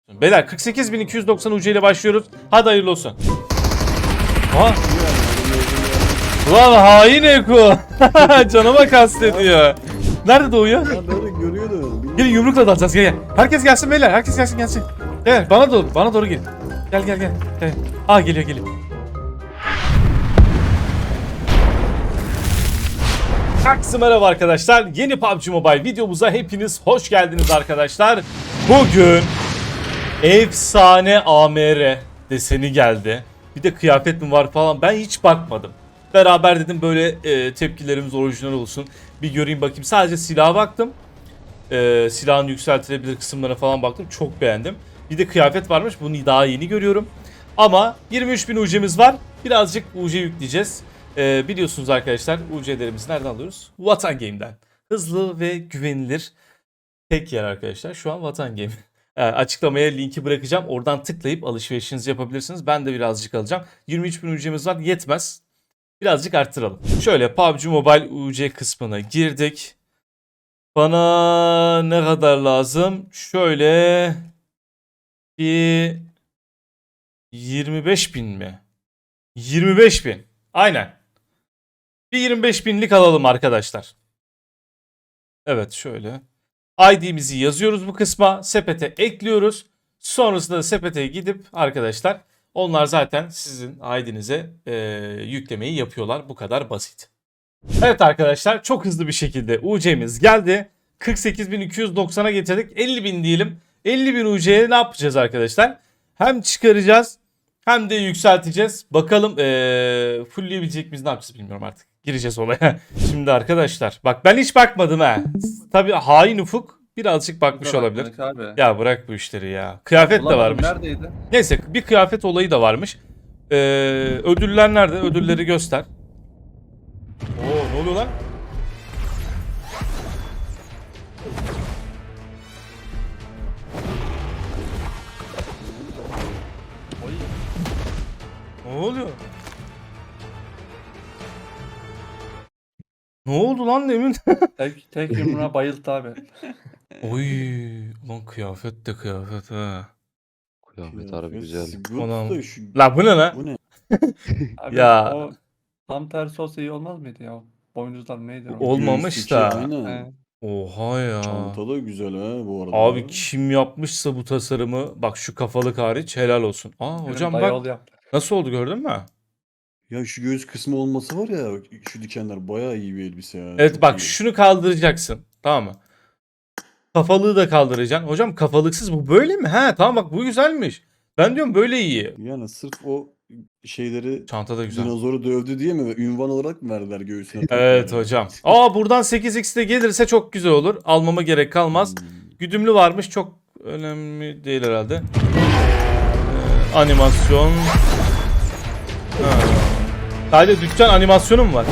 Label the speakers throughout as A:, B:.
A: Beyler 48.290 UC ile başlıyoruz. Hadi hayırlı olsun. Ha? Lan hain Eko. Canıma kastediyor. Nerede doğuyor?
B: Ben böyle görüyordum.
A: Gelin yumrukla dalacağız, gel. Herkes gelsin beyler, herkes gelsin. Gel bana doğru gelin. Gel. Aa geliyor. Herkese merhaba arkadaşlar. Yeni PUBG Mobile videomuza hepiniz hoş geldiniz arkadaşlar. Bugün efsane AMR deseni geldi. Bir de kıyafet mi var falan, ben hiç bakmadım. Beraber dedim böyle tepkilerimiz orijinal olsun. Bir göreyim bakayım. Sadece silaha baktım. Silahın yükseltilebilir kısımlarına falan baktım. Çok beğendim. Bir de kıyafet varmış. Bunu daha yeni görüyorum. Ama 23.000 UC'miz var. Birazcık UC yükleyeceğiz. Biliyorsunuz arkadaşlar, UC'lerimizi nereden alıyoruz? Vatan Game'den. Hızlı ve güvenilir tek yer arkadaşlar. Şu an Vatan Game. Açıklamaya linki bırakacağım. Oradan tıklayıp alışverişinizi yapabilirsiniz. Ben de birazcık alacağım. 23.000 UC'miz var. Yetmez. Birazcık arttıralım. Şöyle PUBG Mobile UC kısmına girdik. Bana ne kadar lazım? Şöyle bir 25.000 mi? 25.000. Aynen. Bir 25.000'lik alalım arkadaşlar. Evet şöyle. ID'mizi yazıyoruz bu kısma. Sepete ekliyoruz. Sonrasında da sepete gidip arkadaşlar, onlar zaten sizin ID'nize yüklemeyi yapıyorlar. Bu kadar basit. Evet arkadaşlar, çok hızlı bir şekilde UC'miz geldi. 48.290'a getirdik. 50.000 diyelim. 50.000 UC'ye ne yapacağız arkadaşlar? Hem çıkaracağız hem de yükselteceğiz. Bakalım fullleyebilecek miyiz, ne yapacağız bilmiyorum artık. Gireceğiz olaya. Şimdi arkadaşlar bak, ben hiç bakmadım ha. Tabii hain Ufuk birazcık bakmış olabilir.
C: Abi.
A: Ya bırak bu işleri ya. Kıyafet de varmış.
C: Neredeydi?
A: Neyse, bir kıyafet olayı da varmış. Ödüller nerede? Ödülleri göster. Oo, ne oluyor lan? Ne oluyor? Ne oldu lan demin?
C: Tek yumruğa bayıldı abi.
A: Oy, lan kıyafet de kıyafet ha.
D: Kıyafet harbi güzel.
A: Anam.
B: Da şu...
A: La bu ne lan?
B: Bu ne?
C: Abi
A: Ya.
C: o tam tersi olsa iyi olmaz mıydı ya? Boynuzlar neydi o?
A: Olmamış
B: Göğüsteki,
A: da.
B: Aynen.
C: He.
A: Oha ya.
B: Çanta da güzel ha bu arada.
A: Abi kim yapmışsa bu tasarımı, bak şu kafalık hariç, helal olsun. Aa hocam
C: Benim dayı
A: bak
C: oğlu yaptı.
A: nasıl oldu, gördün mü?
B: Ya şu göğüs kısmı olması var ya, şu dikenler bayağı iyi bir elbise ya.
A: Evet
B: Çok
A: bak,
B: iyi.
A: şunu kaldıracaksın, tamam mı? Kafalığı da kaldıracaksın. Hocam kafalıksız bu böyle mi? He tamam, bak bu güzelmiş. Ben diyorum böyle iyi.
B: Yani sırf o şeyleri,
A: Çanta da güzel.
B: dinozoru dövdü diye mi, ünvan olarak mı verdiler göğsüne?
A: Evet
B: takmaya?
A: hocam. Aa buradan 8x de gelirse çok güzel olur. Almama gerek kalmaz.
B: Hmm.
A: Güdümlü varmış, çok önemli değil herhalde. Animasyon. Sadece dükkan animasyonu mu var?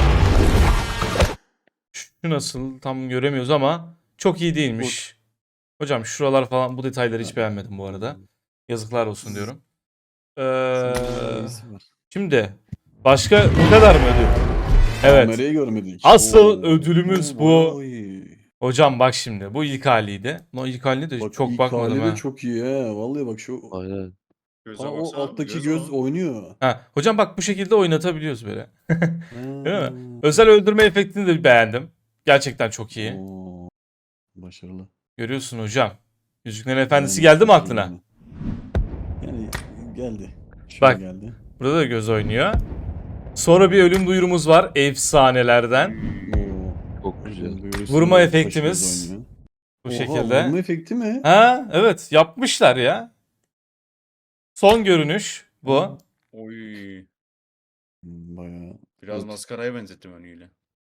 A: Şu nasıl, tam göremiyoruz ama çok iyi değilmiş. Hocam şuralar falan, bu detayları hiç beğenmedim bu arada. Yazıklar olsun diyorum.
B: Neyisi var?
A: Şimdi başka bu kadar mı ödül? Evet.
B: Kamerayı görmedik.
A: Asıl ödülümüz bu.
B: bayağı iyi.
A: Hocam bak şimdi, bu ilk haliydi. O ilk haline de
B: Bak,
A: çok
B: ilk
A: bakmadım
B: hali de
A: ha.
B: çok iyi ha. Vallahi bak şu.
D: Aynen.
B: Aa, o alttaki göz oynuyor.
A: Ha, hocam bak bu şekilde oynatabiliyoruz böyle.
B: Değil
A: mi? Özel öldürme efektini de beğendim. Gerçekten çok iyi.
B: Oo, başarılı.
A: Görüyorsun hocam. Yüzüklerin Efendisi
B: Yani
A: geldi mi
B: çok iyi
A: aklına?
B: Yani geldi. Şöyle
A: Bak.
B: geldi.
A: Burada da göz oynuyor. Sonra bir ölüm duyurumuz var efsanelerden.
B: Oo,
D: Çok güzel.
B: duyurusu
A: Vurma
B: da
A: efektimiz
B: başımıza oynuyor.
A: Bu
B: Oha,
A: şekilde.
B: Vurma efekti mi?
A: Ha evet, yapmışlar ya. Son görünüş bu.
E: Oy.
B: Bayağı.
E: Biraz
B: Evet.
E: maskaraya benzettim önüyle.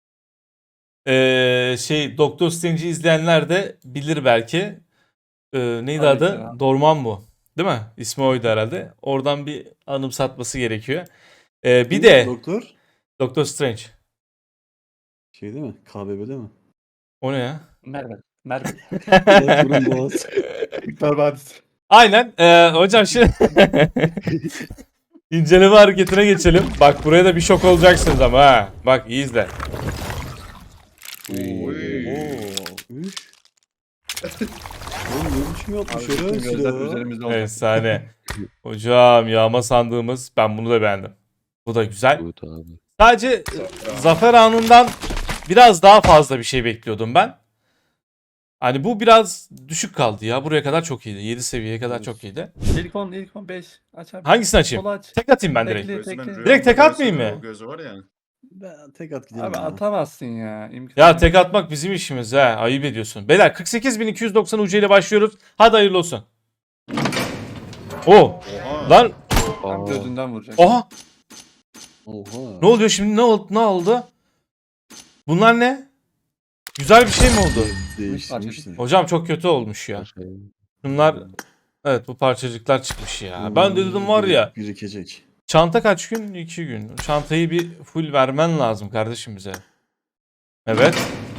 A: Doktor Strange'i izleyenler de bilir belki. Neydi
C: Tabii
A: adı?
C: ki ya.
A: Dormammu. Değil mi? İsmi oydu herhalde. Oradan bir anımsatması gerekiyor. Bir
B: Kim?
A: de
B: Doktor.
A: Doktor Strange.
B: Şey değil mi? KBB'de mi?
A: O ne ya?
C: Merve. Merve.
B: Doktorun boğaz.
C: Kurtlar Vadisi.
A: Aynen. Hocam şimdi inceleme hareketine geçelim. Bak buraya da bir şok olacaksınız ama ha. Bak iyi izle.
E: Oy.
B: Oo, üf. Oğlum ne biçim
C: Abi
B: yapmış
C: bütün
B: öyle
C: gözler
B: silahı?
C: üzerimizde olacak.
A: Efsane. Hocam yağma sandığımız ben bunu da beğendim. Bu da güzel.
D: Good abi.
A: Sadece
E: Zafer
A: zafer anından biraz daha fazla bir şey bekliyordum ben. Hani bu biraz düşük kaldı ya. Buraya kadar çok iyiydi. 7 seviyeye kadar
B: Evet.
A: çok iyiydi.
C: İlk 10 5. Aç abi.
A: Hangisini açayım?
C: Sola aç.
A: Tek atayım ben direkt.
C: Tekli.
E: Gözü ben
C: tekli.
E: rüyamda
A: Direkt tek
E: görsem
A: atmayayım
E: de
A: mı?
E: O gözü var ya.
B: Ben tek at gidelim
C: Abi
B: ya.
C: atamazsın ya. İmkanı
A: Ya
C: yok.
A: tek atmak bizim işimiz ha. Ayıp ediyorsun. Beyler 48.290 UC ile başlıyoruz. Hadi hayırlı olsun. Oo.
E: Oha.
A: Lan.
C: Tam
D: Aa,
C: gözünden vuracak.
A: Oha.
B: Oha.
A: Ne oluyor şimdi? Ne oldu? Bunlar ne? Güzel bir şey mi oldu?
B: Değiştirmişler.
A: Hocam çok kötü olmuş ya.
D: şey.
A: Bunlar evet bu parçacıklar çıkmış ya. Ben de dedim var ya.
B: Birikecek.
A: Çanta kaç gün? 2 gün. Çantayı bir full vermen lazım kardeşim bize. Evet.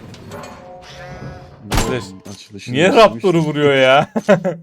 A: Kardeş,
B: Açılışını
A: niye
B: yapmış.
A: Raptor'u vuruyor ya?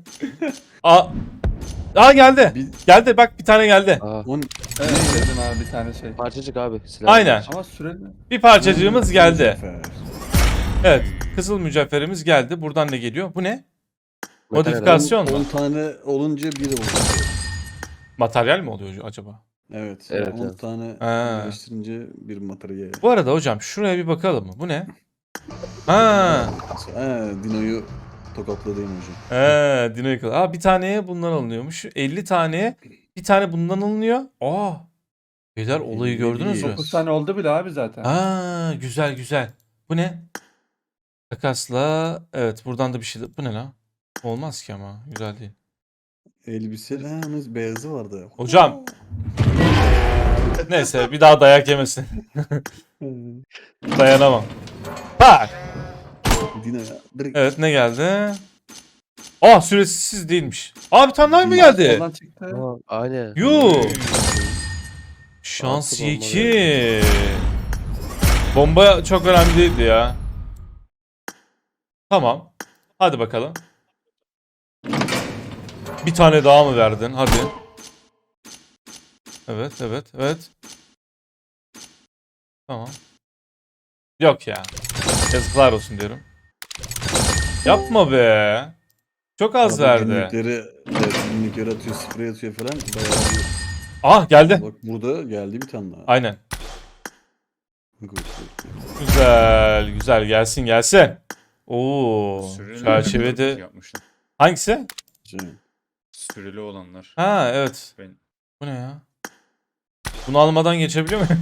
A: Aa geldi.
B: Bir-
A: Geldi bak bir tane geldi.
D: Aa,
C: Evet dedim abi bir tane şey.
D: parçacık abi. Silah
A: Aynen.
C: Ama süreli.
A: Bir parçacığımız geldi.
B: Zafer.
A: Evet. Kızıl mücevherimiz geldi. Buradan ne geliyor? Bu ne?
D: Materyal
A: Modifikasyon
B: 10
A: mu?
B: tane olunca biri oluyor.
A: Materyal mi oluyor acaba?
B: Evet.
D: Evet,
B: 10
D: evet.
B: tane
A: Ha.
B: birleştirince bir materyal.
A: Bu arada hocam şuraya bir bakalım mı? Bu ne? Ha.
B: Dino'yu tokatladayım hocam.
A: Dino yakaladı. Aa bir taneye bundan alınıyormuş. 50 taneye bir tane bundan alınıyor. Aa. Beyler olayı
B: 50
A: gördünüz mü?
C: 9 tane oldu bile abi zaten.
A: Aa güzel güzel. Bu ne? Takasla. Evet buradan da bir şey. Bu ne lan? Olmaz ki ama. Güzel değil.
B: Elbiselerimiz beyazı vardı.
A: Hocam. Neyse bir daha dayak yemesin. Dayanamam. Bak.
B: Dino'ya direkt
A: Evet ne geldi? Aa süresiz değilmiş. Aa bir tane daha mı geldi?
C: Soldan çıktı.
D: Aa, aynen.
A: Yuh. Şans
D: Altı bomba
A: 2. Bomba çok önemli değildi ya. Tamam. Hadi bakalım. Bir tane daha mı verdin? Hadi. Evet. Tamam. Yok ya. Yazıklar olsun diyorum. Yapma be. Çok az
B: arada
A: verdi.
B: günlükleri, evet, günlükleri atıyor, sprey atıyor falan. Bayağı
A: Ah geldi.
B: bak burada geldi bir tane daha.
A: Aynen.
B: Good, good, good.
A: Güzel gelsin. Oo.
E: Süreli
A: Çerçevede
E: yapmışlar.
A: hangisi?
B: Güzel.
E: Süreli olanlar.
A: Ha evet.
E: Ben
A: Bu ne ya? Bunu almadan geçebiliyor muyum?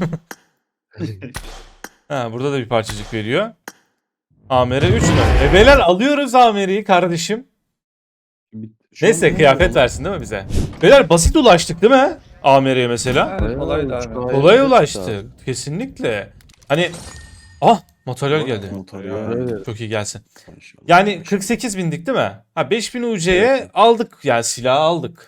A: Ha burada da bir parçacık veriyor. AMR 3 mü? Beyler alıyoruz AMR'yi kardeşim.
B: Şu
A: Neyse
B: an ne
A: kıyafet
B: oldu?
A: versin değil mi bize? Beyler basit ulaştık değil mi? AMR'ye mesela.
C: Evet, kolaydı abi.
A: Kolay ulaştık. Kesinlikle. Hani materyal geldi.
B: Materyal.
D: Evet.
A: Çok iyi gelsin.
B: Maşallah,
A: Yani
B: maşallah.
A: 48 bindik değil mi? Ha 5000 UC'ye
B: Evet.
A: aldık yani silahı aldık.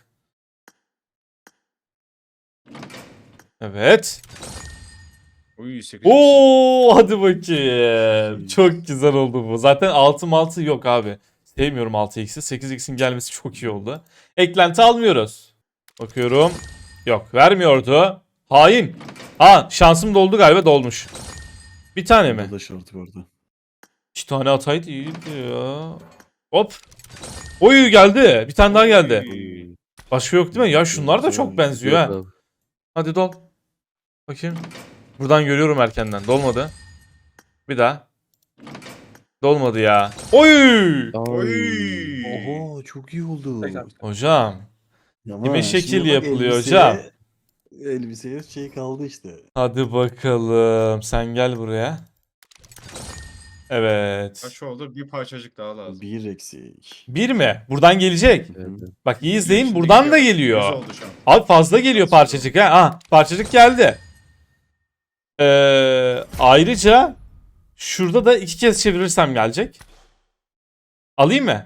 A: Evet.
E: Uy 8.
A: Oo hadi bakayım. Çok güzel oldu bu. Zaten 6 yok abi. Sevmiyorum 6x'i. 8x'in gelmesi çok iyi oldu. Eklenti almıyoruz. Bakıyorum. Yok vermiyordu. Hain. Ha şansım doldu galiba dolmuş. Bir tane mi?
B: Burada da şartı vardı.
A: 2 tane ataydı iyiydi ya. Hop. Oy geldi. Bir tane daha geldi.
E: Uy.
A: Başka yok değil mi? Ya şunlar da çok benziyor
D: Yok
A: ha.
D: abi.
A: Hadi dol. Bakayım. Buradan görüyorum erkenden. Dolmadı. Bir daha. Dolmadı ya. Oy!
E: Oy.
B: Oho çok iyi oldu.
C: Tekrar.
A: Hocam.
B: Ama
A: Kime
B: şimdi
A: şekil
B: bak
A: yapılıyor
B: elbiseye-
A: hocam?
B: Elbiseye şey kaldı işte.
A: Hadi bakalım. Sen gel buraya. Evet.
E: Kaç oldu? Bir parçacık daha lazım.
B: Bir eksik.
A: Bir mi? Buradan gelecek.
D: Evet.
A: Bak iyi izleyin.
E: Şimdi
A: Buradan da
E: Yüz
A: geliyor.
E: oldu şu an.
A: Abi fazla geliyor parçacık ha. Ah, parçacık geldi. Ayrıca şurada da 2 kez çevirirsem gelecek. Alayım mı?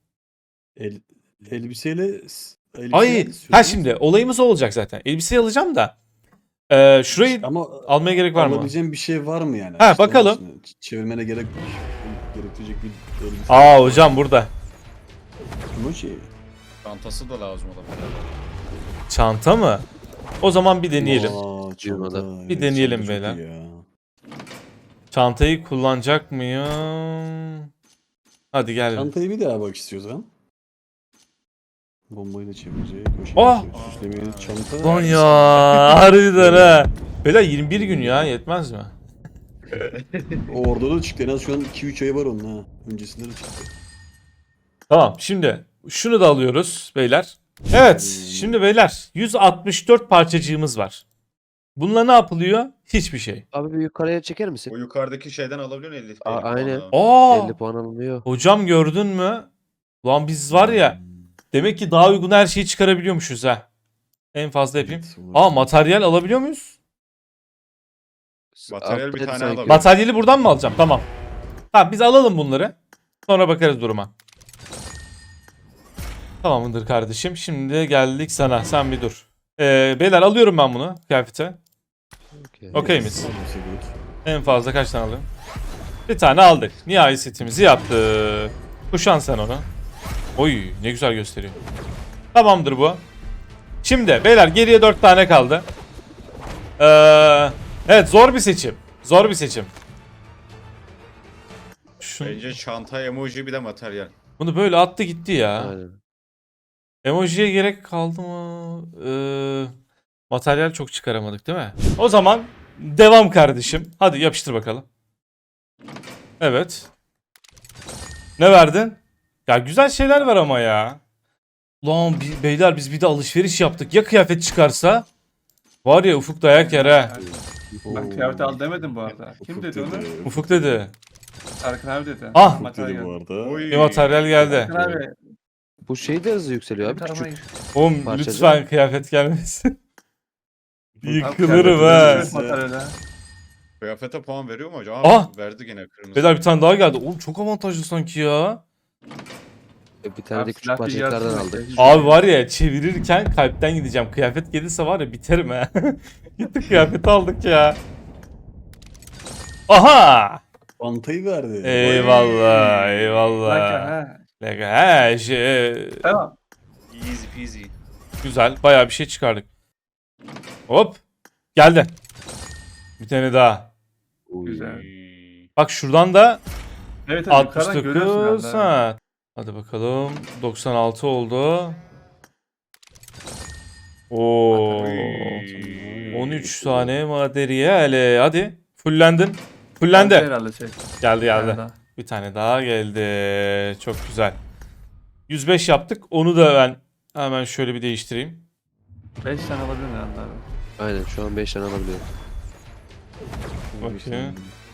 B: Elbiseyle
A: Ay, ha şimdi olayımız o olacak zaten. Elbiseyi alacağım da. Şurayı
B: ama
A: almaya gerek var mı?
B: alabileceğim bir şey var mı yani?
A: Ha,
B: İşte
A: bakalım.
B: onun için çevirmene gerektirecek bir elbise.
A: Aa hocam burada.
B: Bu şey.
E: Çantası da lazım olabilir.
A: Çanta mı? O zaman bir deneyelim.
B: Aa,
D: Yılmadı.
B: çanta.
A: Bir deneyelim
B: çanta çok
A: beyler.
B: iyi ya.
A: Çantayı kullanacak mıyım? Hadi gel.
B: Çantayı bir daha bak istiyorsan. Bombayı da çevirecek.
A: Oh!
B: Süslemeye çanta.
A: Lan ya harbiden ha. Beyler 21 gün ya yetmez mi?
B: O orada da çıktı. En az şu an 2-3 ay var onun ha. Öncesinde de çıktı.
A: Tamam şimdi şunu da alıyoruz beyler. Evet şimdi beyler 164 parçacığımız var. Bununla ne yapılıyor? Hiçbir şey.
D: Abi bir yukarıya çeker
E: O
D: misin?
E: yukarıdaki şeyden alabiliyorsun 50
D: Aa, aynen.
A: Aa
D: 50 puan alınıyor.
A: hocam gördün mü? Lan biz var ya demek ki daha uygun her şeyi çıkarabiliyormuşuz ha. En fazla yapayım. Aa materyal alabiliyor muyuz?
E: Materyal bir
D: Alttaydı
E: tane
D: sanki.
E: alabiliyor.
A: Materyali buradan mı alacağım? Tamam. Tamam biz alalım bunları. Sonra bakarız duruma. Tamamdır kardeşim. Şimdi geldik sana. Sen bir dur. Beyler alıyorum ben bunu kıyafete. Okey miyiz? En fazla kaç tane alıyorum? Bir tane aldık. Nihai setimizi yaptık. Kuşan sen onu. Oy ne güzel gösteriyor. Tamamdır bu. Şimdi beyler geriye 4 tane kaldı. Evet zor bir seçim. Zor bir seçim.
E: Bence çanta, emoji bir de materyal.
A: Bunu böyle attı gitti ya.
D: Aynen.
A: Emojiye gerek kaldı mı? Materyal çok çıkaramadık değil mi? O zaman devam kardeşim. Hadi yapıştır bakalım. Evet. Ne verdin? Ya güzel şeyler var ama ya. Lan beyler biz bir de alışveriş yaptık. Ya kıyafet çıkarsa? Var ya Ufuk dayak yer ha.
C: Ben kıyafet al demedim bu arada. Kim dedi onu?
A: Ufuk dedi.
C: Serkan abi dedi.
A: Ah!
C: Materyal
B: Dedi bu
C: geldi.
B: arada.
E: Oy.
A: Bir materyal geldi.
C: Serkan abi.
D: Bu şey de hızlı yükseliyor abi.
C: bir tarafa
D: Küçük.
C: git.
A: Oğlum
D: Parçacık.
A: lütfen kıyafet gelmesin.
C: Abi
A: Yıkılırım
C: kıyafet
A: ha.
C: materyale.
E: Kıyafete puan veriyor mu hocam?
A: Ah!
E: Verdi gene kırmızı.
A: Beyler bir tane daha geldi. Oğlum çok avantajlı sanki ya.
D: Bir tane de
C: Abi
D: küçük
C: silah bir
D: parçacıklardan
C: yarsın
D: aldık.
C: bekle.
A: Abi var ya çevirirken kalpten gideceğim. Kıyafet gelirse var ya biterim ha. Gittik kıyafeti aldık ya. Aha!
B: Çantayı verdi.
A: Eyvallah,
C: Serkan,
A: eyvallah.
C: ha.
A: He,
C: Tamam.
E: Easy peasy.
A: güzel. Bayağı bir şey çıkardık. Hop. Geldi. Bir tane daha.
C: Güzel.
E: Oy.
A: Bak şuradan da
C: Evet evet yukarıdan görüyorsun
A: 69.
C: herhalde.
A: Ha. Hadi bakalım. 96 oldu. Oo.
E: Oy.
A: 13 tane materyal. Hadi. Fullendin.
C: Bence
A: Fullendi.
C: herhalde şey.
A: Geldi geldi.
C: Herhalde.
A: Bir tane daha geldi. Çok güzel. 105 yaptık. Onu da ben hemen şöyle bir değiştireyim.
C: 5 tane alabilirim herhalde abi.
D: Aynen şu an 5 tane alabiliyorum.
A: Okey.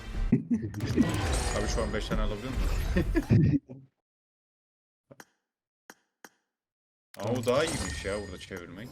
E: Abi şu an 5 tane alabiliyor musun? Ama o daha iyiymiş ya burada çevirmek.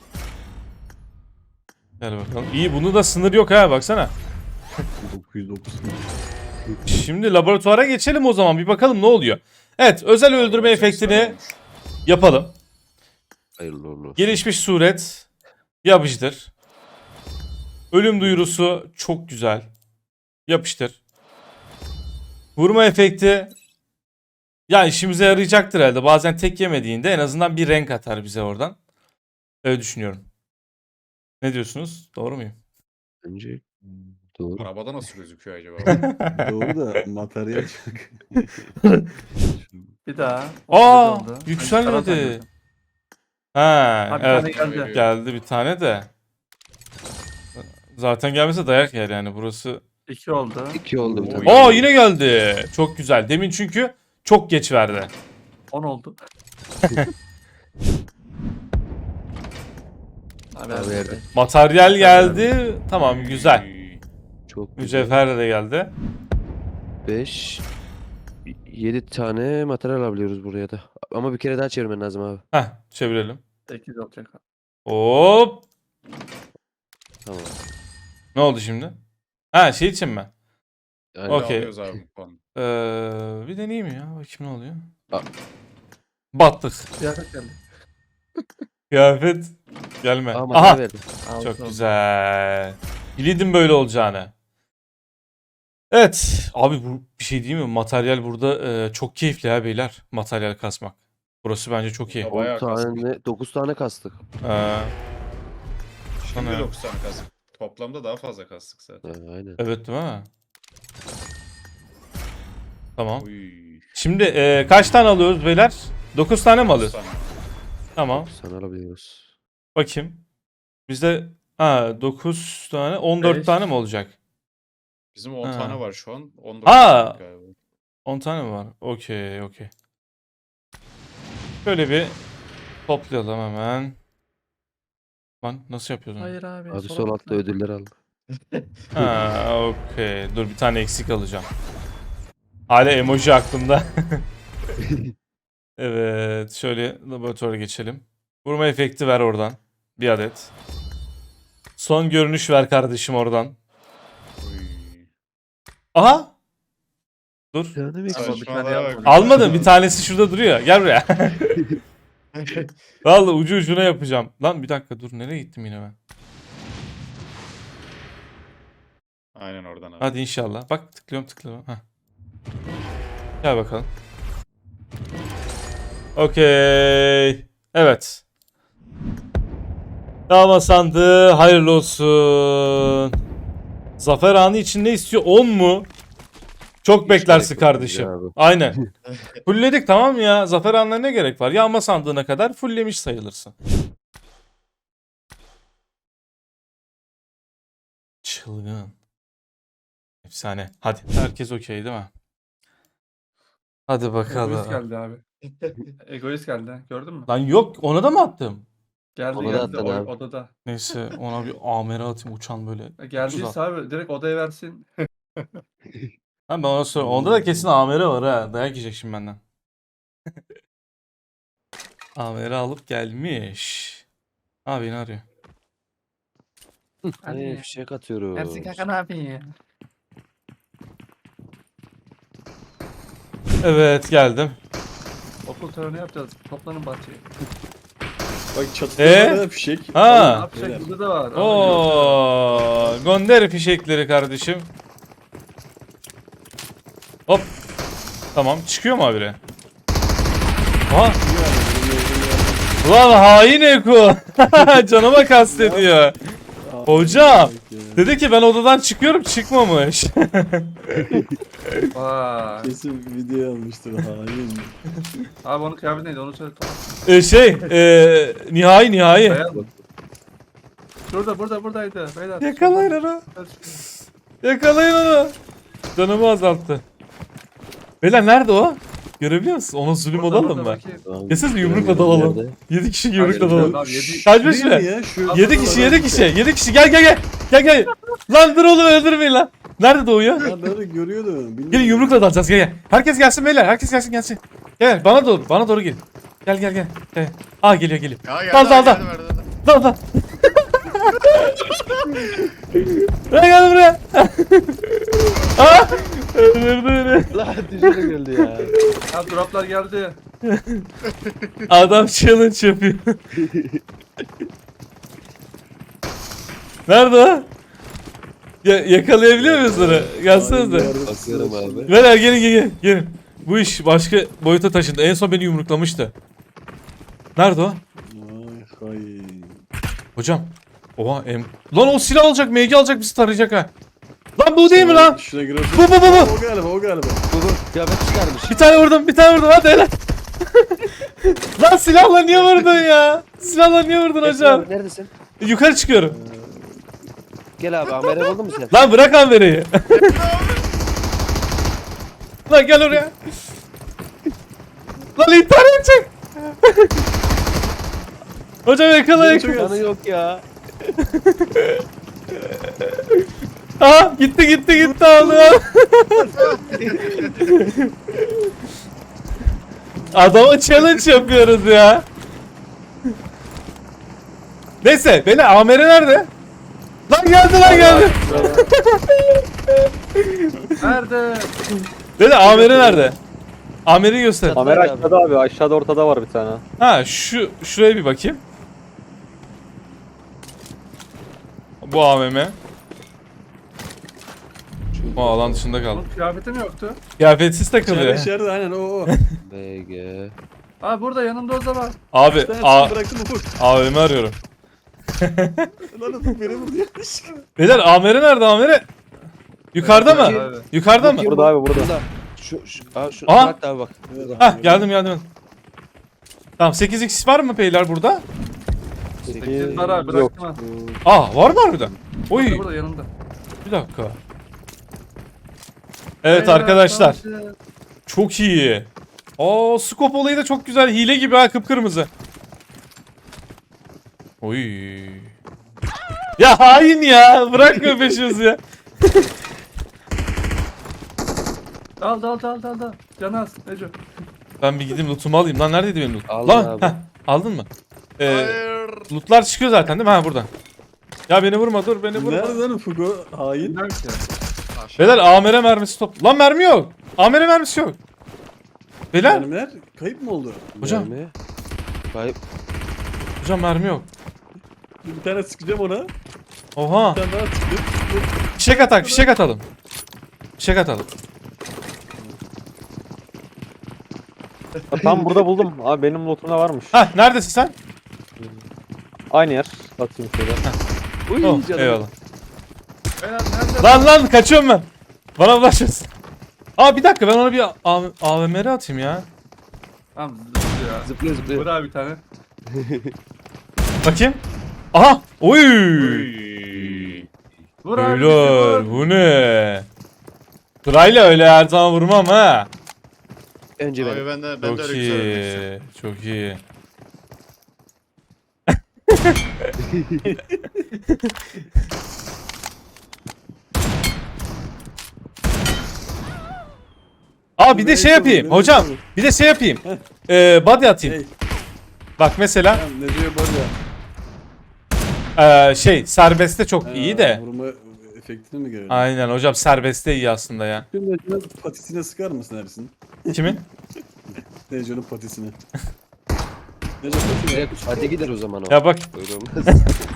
A: Gel bakalım. İyi bunu da sınır yok ha baksana.
B: 909.
A: Şimdi laboratuvara geçelim o zaman bir bakalım ne oluyor. Evet özel öldürme efektini yapalım.
D: Hayırlı uğurlu olsun.
A: Gelişmiş suret yapıştır. Ölüm duyurusu çok güzel. Yapıştır. Vurma efekti ya işimize yarayacaktır herhalde. Bazen tek yemediğinde en azından bir renk atar bize oradan. Öyle düşünüyorum. Ne diyorsunuz? Doğru muyum?
D: Bence doğru.
E: Arabada nasıl gözüküyor acaba?
B: Doğru da materyal çok.
C: Bir daha.
A: Aa,
C: 37 oldu.
A: yükselmedi.
C: Ben yukarıdan gördüm.
A: Ha,
C: Abi
A: evet.
C: bir tane geldi.
A: Geldi bir tane de. Zaten gelmese dayak yer yani burası.
C: 2 oldu.
D: 2 oldu bir
E: Oy.
D: tane.
A: Aa yine geldi. Çok güzel. Demin çünkü çok geç verdi.
C: 10 oldu. Abi
D: Abi yerde.
A: Materyal geldi. Tamam güzel.
E: Oy.
D: Çok güzel.
A: Mücevher de geldi.
D: 5 7 tane materyal alabiliyoruz buraya da. Ama bir kere daha çevirmen lazım abi.
A: Heh çevirelim.
C: 8 olacak.
A: Hop.
D: Tamam.
A: Ne oldu şimdi? Ha şey için mi?
D: Aynen.
A: Okey.
E: Alıyoruz abi bu puanı.
A: Bir deneyeyim ya. Bakayım ne oluyor.
D: Aa.
A: Battık.
C: Kıyafet geldi.
A: Kıyafet gelme.
D: Aa
A: Aha.
D: materyal verdi.
C: Altı
A: Çok
C: oldu.
A: güzel. Biliyordum böyle olacağını. Evet. Abi bu bir şey değil mi? Materyal burada çok keyifli ha beyler. Materyal kasmak. Burası bence çok iyi.
E: Ya bayağı
D: 10
E: kastık.
D: tane 9 tane kastık.
E: Şimdi
A: Sana-
E: 9 tane kastık. Toplamda daha fazla kastık zaten.
D: Aynen.
A: Evet değil mi? Tamam.
E: Uy.
A: Şimdi kaç tane alıyoruz beyler? 9 tane mi alıyoruz?
E: Sana.
A: Tamam.
D: Sana alabiliyoruz.
A: Bakayım. Bizde 9 tane 14
C: Beş.
A: tane mi olacak?
E: Bizim 10
A: Ha.
E: tane var şu an. 19
A: Ha!
E: tane galiba.
A: 10 tane mi var? Okey. Şöyle bir toplayalım hemen. Lan nasıl yapıyorsun?
C: Hayır abi.
D: Abi
C: sola
D: sol altta
C: tıkla.
D: ödüller al.
A: Okey. Dur bir tane eksik alacağım. Hala emoji aklımda. Evet. Şöyle laboratuvara geçelim. Vurma efekti ver oradan. Bir adet. Son görünüş ver kardeşim oradan.
E: Uy.
A: Aha! Dur.
C: Ama bir tane
E: Saçmalama.
C: yapmadım.
A: Almadım. Bir tanesi şurada duruyor. Gel buraya. Vallahi ucu ucuna yapacağım. Lan bir dakika dur. Nereye gittim yine ben?
E: Aynen oradan abi.
A: Hadi inşallah. Bak tıklıyorum. Heh. Gel bakalım. Okey. Evet. Dava sandığı hayırlı olsun. Zafer anı için ne istiyor? 10 mu? Çok
D: Hiç
A: beklersin
D: gerek yok
A: kardeşim.
D: ya abi.
A: Aynen. Fullledik tamam mı ya? Zafer anına ne gerek var? Yağma sandığına kadar fulllemiş sayılırsın. Çılgın. Efsane. Hadi. Herkes okey değil mi? Hadi
C: Egoist
A: bakalım.
C: geldi abi. Egoist geldi. Gördün mü?
A: Lan yok ona da mı attım?
C: Geldi
D: Ona da
C: geldi.
D: attın abi.
C: Odada.
A: Neyse ona bir amere atayım uçan böyle.
C: Geldiyse abi direkt odaya versin.
A: Ben ona sonra onda da kesin amere var ha. Dayak yiyecek şimdi benden. Amere alıp gelmiş. Abi beni arıyor.
D: Hey, fişek atıyoruz.
C: abi.
A: Evet geldim.
C: Okul töreni yapacağız. Toplanın bahçeye.
B: Bak çatıda da fişek.
C: Ne
A: Ha.
C: yapacak?
B: beyler.
C: Burada da var.
A: Oo, gönder fişekleri kardeşim. Hop. Tamam çıkıyor mu habire? Aha. Ulan hain Eko. Canıma kastediyor. Hocam. Dedi ki ben odadan çıkıyorum çıkmamış.
C: Vay.
B: Kesin video almıştır hain.
C: Abi onun kıyafeti neydi onu söyle. Tamam.
A: Nihai.
C: Beyaz mı? Buradaydı. Beyler.
A: Yakalayın onu. Yakalayın onu. Canımı azalttı. Beyler nerede o? Görebiliyor musun? Ona zulüm olalım mı? Kesin yumrukla dalalım. 7 kişi yumrukla dalalım. Kaç beş mi?
B: Ya şu
A: 7 kişi 7 kişi gel. Lan dur oğlum öldürmeyin lan. Nerede doğuyor?
B: adamları görüyordu. Bilmiyorum.
A: Gelin yumrukla dalacağız gel. Herkes gelsin beyler. Herkes gelsin. Gel bana doğru gelin. Gel. Aa geliyor.
E: Ya geldi
A: Dal.
E: geldi verdi.
A: Dal. Gel buraya. Aa! Öldürdü beni.
D: Lan düşüre geldi ya.
C: Ya droplar geldi.
A: Adam challenge yapıyor. Nerede o? Yakalayabiliyor muyuz onu? Gelsenize.
D: Bakıyorum abi.
A: Beyler gelin. Bu iş başka boyuta taşındı. En son beni yumruklamıştı. Nerede o?
B: Ay hain.
A: Hocam. Oha Lan o silah alacak, MG alacak bizi tarayacak ha. Lan bu değil mi lan?
B: Şuna göre.
A: Bu.
B: O galiba.
D: Bu kıyafet çıkarmış.
A: Bir tane vurdum hadi helal. Lan silahla niye vurdun ya? Silahla niye vurdun hocam?
D: Abi, neredesin?
A: Yukarı çıkıyorum.
D: Gel abi amere buldun mu sen?
A: Lan bırak Ambere'yi. Lan gel oraya. Lan intihar edecek. Hocam yakalayın.
B: Çok az.
D: Canı yok ya.
A: Aha gitti aldı. Adama challenge yapıyoruz ya. Neyse beni Amere nerede? Lan geldi.
C: Nerede?
A: Beni Amere nerede? Amer'i göster.
D: Çatı-
F: Kamera aşağıda abi. Aşağıda ortada var bir tane.
A: Ha şuraya bir bakayım. Bu AVM. Bu alan dışında kaldı.
C: Onun kıyafeti mi yoktu?
A: Kıyafetsiz takılıyor.
B: İçeride aynen o.
D: BG.
C: Abi burada yanımda o zaman.
A: Abi
B: Ben bıraktım ufuk.
A: AVM arıyorum.
B: Lan ufuk beni vurdu yanlışlıkla.
A: Beyler Amer'i nerede Amer'i? Yukarıda mı?
C: Abi.
A: Yukarıda mı?
F: Burada abi burada.
D: Şu
A: Aha!
D: bak abi bak.
B: Evet,
A: Hah geldim. Tamam 8x var mı beyler burada?
C: 8 var abi
F: Yok.
C: bıraktım
A: Aa var mı harbiden? Oy
C: Burada yanımda.
A: bir dakika. Evet
C: Beyler,
A: arkadaşlar
C: savaşı.
A: çok iyi. Aa scope olayı da çok güzel. Hile gibi ha kıpkırmızı. Oy. Ya hain ya. Bırakma peşimizi ya.
C: Dal. Canı az Neco.
A: Ben bir gideyim lootumu alayım. Lan neredeydi benim loot?
D: Aldım
A: Lan
D: abi.
A: heh, aldın mı?
E: Hayır.
A: Lootlar çıkıyor zaten değil mi? Ha burada. Ya beni vurma dur beni vurma.
B: Nerede lan Fugo? Hain.
C: Bilmem ki.
E: Aşağı.
A: Beyler AMR mermisi top. Lan mermi yok. AMR mermisi yok. Beyler.
B: Mermiler kayıp mı oldu?
A: Hocam.
D: Mermi. Kayıp.
A: Hocam mermi yok.
B: Bir tane sıkacağım ona.
A: Oha.
B: Bir tane daha sıkacağım.
A: Fişek atalım. Fişek atalım.
F: Tam burada buldum. Abi benim lootumda varmış.
A: Hah neredesin sen?
F: Aynı yer. Atayım şöyle.
D: Uy
A: Oh,
D: canım.
A: eyvallah.
C: Beyler nerede?
A: Lan kaçıyorum ben. Bana ulaşıyorsun. Aa bir dakika ben ona bir AVMR atayım ya.
C: Tamam zıplıyor.
D: Zıplıyor
C: Vur
D: zıplıyor.
C: abi bir tane.
A: Bakayım. Aha. Oy.
E: Uy.
C: Vur abi.
A: Beyler
C: vur.
A: bu ne? Sırayla öyle her zaman vurmam ha.
D: Önce
E: Abi
D: benim.
E: ben de
A: Çok
E: öyle güzel ölmek
A: iyi. Çok iyi. Aa bir de şey yapayım. Hocam bir de şey yapayım. Body atayım.
B: Hey.
A: Bak mesela
B: Tamam ne diyor böyle?
A: şey serbestte çok iyi de.
B: Vurma efektini mi görelim?
A: Aynen hocam serbestte iyi aslında ya.
B: Şimdi Neco'nun patisine sıkar mısın Ersin?
A: Kimin?
B: Neco'nun patisine. Neco patine.
D: Evet, hadi gider o zaman o.
A: Ya bak
D: Öyle olmaz.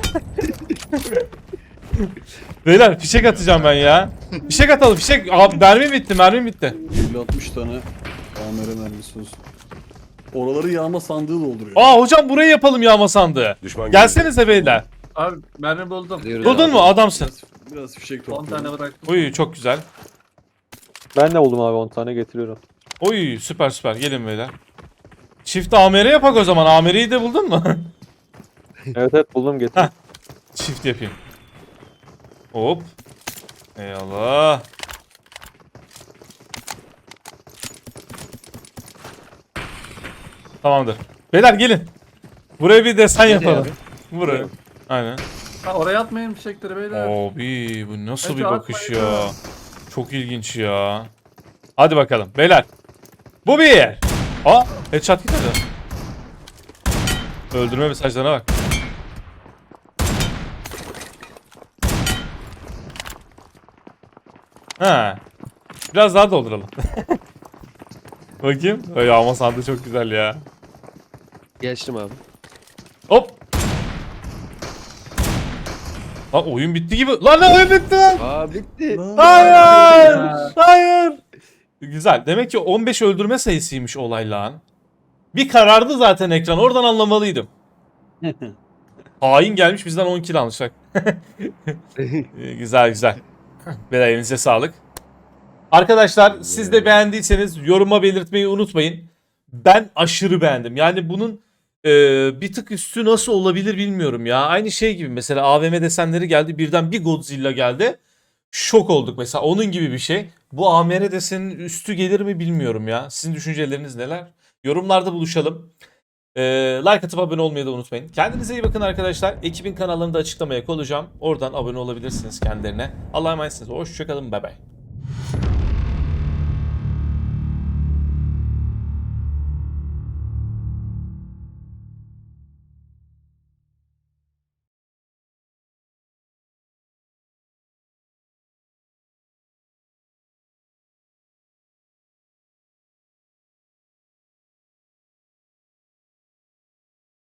A: beyler fişek atacağım ben ya. Fişek atalım fişek. Abi mermi bitti.
B: 50-60 tane AMR mermisi olsun. Oraları yağma sandığı dolduruyor.
A: Aa hocam burayı yapalım yağma sandığı. Gelsenize beyler.
C: Abi mermi buldum.
D: Gidiyoruz
A: Buldun
D: abi.
A: mu adamsın.
B: Biraz fişek
C: 10
B: topluyorum.
C: tane bıraktım.
A: Uy çok güzel.
F: Ben de buldum abi 10 tane getiriyorum.
A: Oy süper gelin beyler. Çift AMR yapak o zaman. AMR'yi de buldun mu?
F: Evet buldum getir.
A: Çift yapayım. Hop. Eyvallah. Tamamdır. Beyler gelin. Buraya bir desen
D: Nereye
A: yapalım.
D: abi?
A: Buraya. Aynen.
C: Ha oraya atmayın fişekleri beyler.
A: Abi bu nasıl
C: Hadi
A: bir bakış
C: atmayın
A: ya.
C: ya.
A: Çok ilginç ya. Hadi bakalım beyler. Bu bir yer. Aa headshot gitmedi. Öldürme mesajlarına bak. Ha. Biraz daha dolduralım. Bakayım. Ay ama sandığı çok güzel ya.
D: Geçtim abi.
A: Hop. Lan oyun bitti gibi. Lan oyun bitti lan.
D: Aa bitti.
A: Hayır. Hayır. Güzel. Demek ki 15 öldürme sayısıymış olay lan. Bir karardı zaten ekran. Oradan anlamalıydım. Hain gelmiş bizden 10 kill almışlar. Güzel. Beyler elinize sağlık. Arkadaşlar siz de beğendiyseniz yoruma belirtmeyi unutmayın. Ben aşırı beğendim. Yani bunun bir tık üstü nasıl olabilir bilmiyorum ya. Aynı şey gibi mesela AVM desenleri geldi. Birden bir Godzilla geldi. Şok olduk mesela. Onun gibi bir şey. Bu AMR desenin üstü gelir mi bilmiyorum ya. Sizin düşünceleriniz neler? Yorumlarda buluşalım. Like atıp abone olmayı da unutmayın. Kendinize iyi bakın arkadaşlar. Ekibin kanallarını da açıklamaya koyacağım. Oradan abone olabilirsiniz kendilerine. Allah'a emanetsiniz. Hoşçakalın. Bay bay.